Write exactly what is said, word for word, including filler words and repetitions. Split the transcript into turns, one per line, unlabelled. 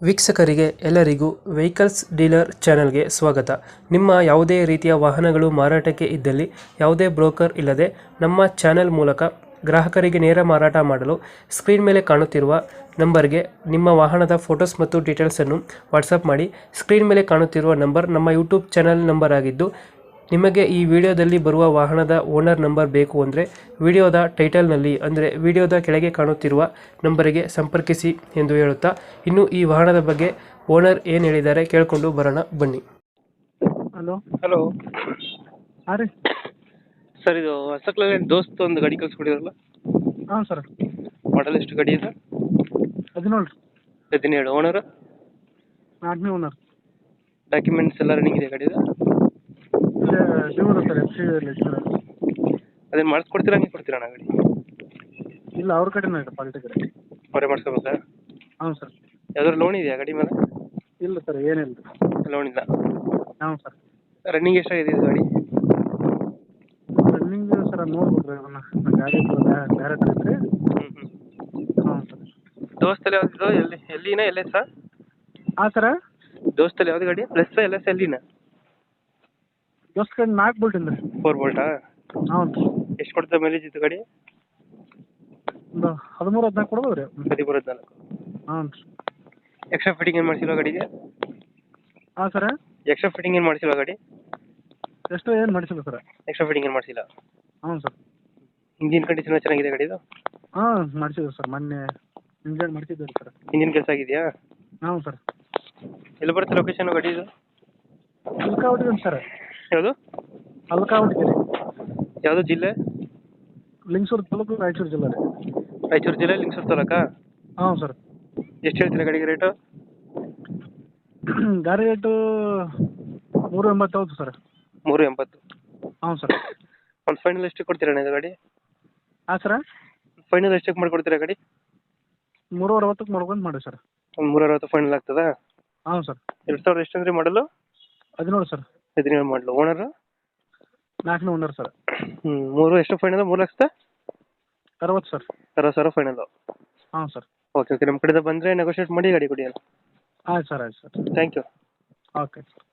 ವೀಕ್ಷಕರಿಗೆ ಎಲ್ಲರಿಗೂ vehicles dealer ಚಾನೆಲ್ಗೆ ಸ್ವಾಗತ. ನಿಮ್ಮ ಯಾವುದೇ ರೀತಿಯ ವಾಹನಗಳು ಮಾರಾಟಕ್ಕೆ ಇದ್ದಲ್ಲಿ ಯಾವುದೇ ಬ್ರೋಕರ್ ಇಲ್ಲದೆ ನಮ್ಮ ಚಾನೆಲ್ ಮೂಲಕ ಗ್ರಾಹಕರಿಗೆ ನೇರ ಮಾರಾಟ ಮಾಡಲು ಸ್ಕ್ರೀನ್ ಮೇಲೆ ಕಾಣುತ್ತಿರುವ ನಂಬರ್ಗೆ ನಿಮ್ಮ ವಾಹನದ ಫೋಟೋಸ್ ಮತ್ತು ಡೀಟೇಲ್ಸನ್ನು ವಾಟ್ಸಪ್ ಮಾಡಿ. ಸ್ಕ್ರೀನ್ ಮೇಲೆ ಕಾಣುತ್ತಿರುವ ನಂಬರ್ ನಮ್ಮ ಯೂಟ್ಯೂಬ್ ಚಾನೆಲ್ ನಂಬರ್ ಆಗಿದ್ದು, ನಿಮಗೆ ಈ ವಿಡಿಯೋದಲ್ಲಿ ಬರುವ ವಾಹನದ ಓನರ್ ನಂಬರ್ ಬೇಕು ಅಂದರೆ ವಿಡಿಯೋದ ಟೈಟಲ್ನಲ್ಲಿ ಅಂದರೆ ವಿಡಿಯೋದ ಕೆಳಗೆ ಕಾಣುತ್ತಿರುವ ನಂಬರಿಗೆ ಸಂಪರ್ಕಿಸಿ ಎಂದು ಹೇಳುತ್ತಾ, ಇನ್ನು ಈ ವಾಹನದ ಬಗ್ಗೆ ಓನರ್ ಏನು ಹೇಳಿದ್ದಾರೆ ಕೇಳಿಕೊಂಡು ಬರೋಣ ಬನ್ನಿ.
ಹಲೋ
ಹಲೋ
ಹಾಂ ರೀ.
ಸರ್, ಇದು ಹೊಸಕ್ಲಲ್ಲಿ ದೋಸ್ತ್ ಒಂದು ಗಾಡಿ ಕಳಿಸ್ಕೊಡಿದ್ರಲ್ಲ,
ಹಾಂ ಸರ್.
ಮಾಡಲ್ ಎಷ್ಟು ಗಾಡಿ ಇದೆ?
ಹದಿನೇಳು ರೀ.
ಹದಿನೇಳು. ಓನರ್?
ನಾಲ್ಕನೇ ಓನರ್.
ಡಾಕ್ಯುಮೆಂಟ್ಸ್ ಎಲ್ಲ ರನ್ನಿಂಗ್ ಇದೆ ಗಾಡಿದು?
ಇಲ್ಲ ಡ್ಯೂರ್ ಸರ್, ಎಫ್ ಸಿ ಲೆಕ್ಚರ್.
ಅದೇನು ಮಾಡಿಸ್ಕೊಡ್ತೀರಾ, ಹಂಗೆ ಕೊಡ್ತೀರಾ ಅಣ್ಣ ಗಾಡಿ?
ಇಲ್ಲ ಅವ್ರ ಕಡೆನೇ ಇದೆ, ಪಾಲ್ಟಿ ಕಡೆ.
ಅವರೇ ಮಾಡಿಸ್ಕೋಬೇಕಾ?
ಹಾಂ ಸರ್.
ಯಾವ್ದಾದ್ರು ಲೋನ್ ಇದೆಯಾ ಗಾಡಿ ಮೇಲೆ?
ಇಲ್ಲ ಸರ್, ಏನಿಲ್ಲ ರೀ.
ಲೋನ್ ಇಲ್ಲ.
ಹಾಂ ಸರ್.
ರನ್ನಿಂಗ್ ಎಷ್ಟಾಗಿದೆ ಇದು ಗಾಡಿ?
ರನ್ನಿಂಗ್ ಸರ್ ನೋಡ್ಬೇಕು ರೀ, ಅದನ್ನು ಗಾಡಿ ಬೇರೆ ಐತ್ರಿ.
ಹ್ಞೂ ಹ್ಞೂ
ಹಾಂ ಸರ್.
ದೋಸ್ತಲ್ಲಿ ಯಾವ್ದು? ಎಲ್ಲಿ ಎಲ್ಲಿನ ಎಲ್ ಎಸ್?
ಹಾಂ ಸರ.
ದೋಸ್ತಲ್ಲಿ ಯಾವ್ದು ಗಾಡಿ? ಪ್ಲಸ್ ಎಲ್ ಎಸ್ ಎಲ್ಲಿನ?
ದೋಸ್ತ್ ಕಡೆ ನಾಲ್ಕು ಬೋಲ್ಟ್ ಇಂದ ರೀ.
ಫೋರ್ ಬೋಲ್ಟಾ?
ಹಾಂ ರೀ.
ಎಷ್ಟು ಕೊಡ್ತದೆ ಮೈಲೇಜ್ ಇದು ಗಾಡಿ?
ಒಂದು ಹದಿಮೂರು ಹದಿನಾಲ್ಕು ಕೊಡ್ಬೋದು ರೀ.
ಹದಿಮೂರು ಹದಿನಾಲ್ಕು.
ಹಾಂ ರೀ.
ಎಕ್ಸ್ಟ್ರಾ ಫಿಟ್ಟಿಂಗ್ ಏನು ಮಾಡಿಸಿಲ್ವ ಗಾಡಿಗೆ?
ಹಾಂ ಸರ.
ಎಕ್ಸ್ಟ್ರಾ ಫಿಟ್ಟಿಂಗ್ ಏನು ಮಾಡಿಸಿಲ್ವ ಗಾಡಿ?
ಎಷ್ಟು ಏನು ಮಾಡಿಸಿಲ್ಲ ಸರ್.
ಎಕ್ಸ್ಟ್ರಾ ಫಿಟ್ಟಿಂಗ್ ಏನು ಮಾಡಿಸಿಲ್ಲ?
ಹಾಂ ಸರ್.
ಇಂಜಿನ್ ಕಂಡೀಷನ್ ಚೆನ್ನಾಗಿದೆ ಗಾಡಿದು?
ಹಾಂ ಮಾಡಿಸಿದ್ವಿ ಸರ್, ಮೊನ್ನೆ ಇಂಜನ್ ಮಾಡಿಸಿದ್ದೀವಿ ಸರ್.
ಇಂಜಿನ್ ಕೆಲಸ ಆಗಿದೆಯಾ?
ಹಾಂ ಸರ್.
ಎಲ್ಲಿ ಬರುತ್ತೆ ಲೊಕೇಶನ್ ಗಾಡಿದು?
ಅಲ್ಕಾವಟಿಗೆ ಸರ್.
ಯಾವುದು?
ಅಲ್ಕಾವಟಿಗೆ ರೀ.
ಯಾವುದು ಜಿಲ್ಲೆ?
ಲಿಂಗಸೂರು ತಾಲೂಕು, ರಾಯಚೂರು ಜಿಲ್ಲೆ ರೀ.
ರಾಯಚೂರು ಜಿಲ್ಲೆ, ಲಿಂಗಸೂರು ತಾಲೂಕಾ?
ಹಾಂ ಸರ್.
ಎಷ್ಟು ಹೇಳ್ತೀರಾ ಗಾಡಿಗೆ ರೇಟು?
ಗಾಡಿ ರೇಟು ಮೂರು ಎಂಬತ್ತು ಹೌದು ಸರ್.
ಮೂರು ಎಂಬತ್ತು.
ಹಾಂ ಸರ್.
ಒಂದು ಫೈನಲ್ ಎಷ್ಟಕ್ಕೆ ಕೊಡ್ತೀರಾ ಇದು ಗಾಡಿ?
ಹಾಂ ಸರ.
ಫೈನಲ್ ಎಷ್ಟಕ್ಕೆ ಮಾಡಿಕೊಡ್ತೀರಾ ಗಾಡಿ?
ಮೂರು ಅರವತ್ತಕ್ಕೆ ಮಾಡ್ಕೊಂಡು ಮಾಡಿ ಸರ್.
ಒಂದು ಮೂರು ಅರವತ್ತು ಫೈನಲ್ ಆಗ್ತದಾ?
ಹಾಂ ಸರ್.
ಎರಡು ಸಾವಿರದ ಎಷ್ಟು ಅಂದರೆ ಮಾಡಲು?
ಹದಿನೇಳು ಸರ್.
ಹದಿನೇಳು ಮಾಡಲು. ಓನರು?
ನಾಲ್ಕನೇ ಓನರ್ ಸರ್.
ಹ್ಞೂ. ಮೂರು ಎಷ್ಟು ಫೈನಲ್? ಮೂರು ಲಕ್ಷದ
ಅರವತ್ತು ಸರ್.
ಅರವತ್ತು ಸಾವಿರ ಫೈನಲು.
ಹಾಂ ಸರ್.
Okay okay. ನಮ್ಮ ಕಡೆಯಿಂದ ಬಂದರೆ ನೆಗೋಷಿಯೇಟ್ ಮಾಡಿ ಗಾಡಿ ಕೊಡಿ ಅಲ್ಲ.
ಆಯ್ತು ಸರ್, ಆಯ್ತು ಸರ್.
Thank you.
ಓಕೆ.